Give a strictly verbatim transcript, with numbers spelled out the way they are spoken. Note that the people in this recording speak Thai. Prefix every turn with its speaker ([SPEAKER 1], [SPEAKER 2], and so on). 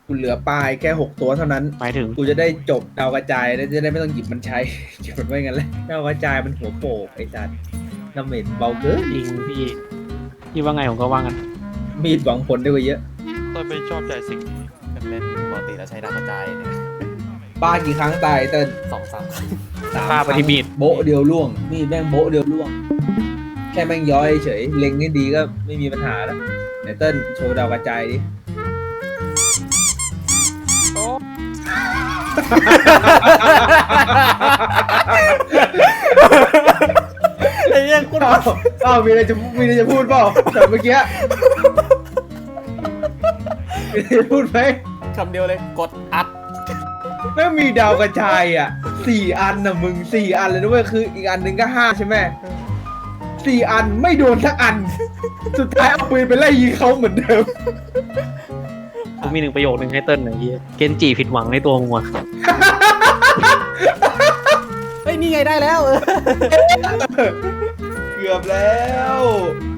[SPEAKER 1] กูเหลือปลายแค่หกตัวเท่านั้น
[SPEAKER 2] หมายถึง
[SPEAKER 1] กูจะได้จบดาวกระจายแล้วจะได้ไม่ต้องหยิบมันใช้หยิบมันไว้งั้นเลยดาวกระจายมันหัวโปกไอ้สัตว์น้ำเหม็นเบาเกิน
[SPEAKER 2] จริงพี่พี่ว่าไงผมก็ว่างั้น
[SPEAKER 1] มีดหวังผลได้กว่าเยอะ
[SPEAKER 3] ต้นไม่ชอบใจสิ่งนี้
[SPEAKER 4] เล่นปกติแล้วใช้ดาวกระจายเนี่ย
[SPEAKER 1] ป้ากี่ครั้งตายเติ้ล
[SPEAKER 4] สองสามครั้ง
[SPEAKER 1] สาม
[SPEAKER 2] ฆ่าปฏิมีด
[SPEAKER 1] โบ๊ะเดียวล่วงมีดแม่งโบ๊ะเดียวล่วง แค่แม่งย้อยเฉยเล็งให้ดีก็ไม่มีปัญหาแล้วไหนเติ้ลโชว์ดาวกระจายดิ
[SPEAKER 3] โอ้
[SPEAKER 4] ไอ้เนี่ยคุณ
[SPEAKER 1] อ้าวอ้าวมีอะไรจะมีอะไรจะพูดเปล่าแต่เมื่อกี้มีอะไรจะพูดไหม
[SPEAKER 4] คำเดียวเลยกดอัด
[SPEAKER 1] แม่งมีดาวกระจายอ่ะสี่อันนะมึงสี่อันเลยนะเว้ยคืออีกอันหนึ่งก็ห้าใช่ไหมสี่อันไม่โดนสักอัน สุดท้ายเอาปืนไปไล่ยิงเขาเหมือนเดิม
[SPEAKER 2] ผมมีหนึ่งประโยคนึงให้เติ้ลหน่อยพี่เกนจิผิดหวังในตัวมึงว่ะ
[SPEAKER 4] เฮ้ยนี่ไงได้แล้ว
[SPEAKER 1] เกือบแล้ว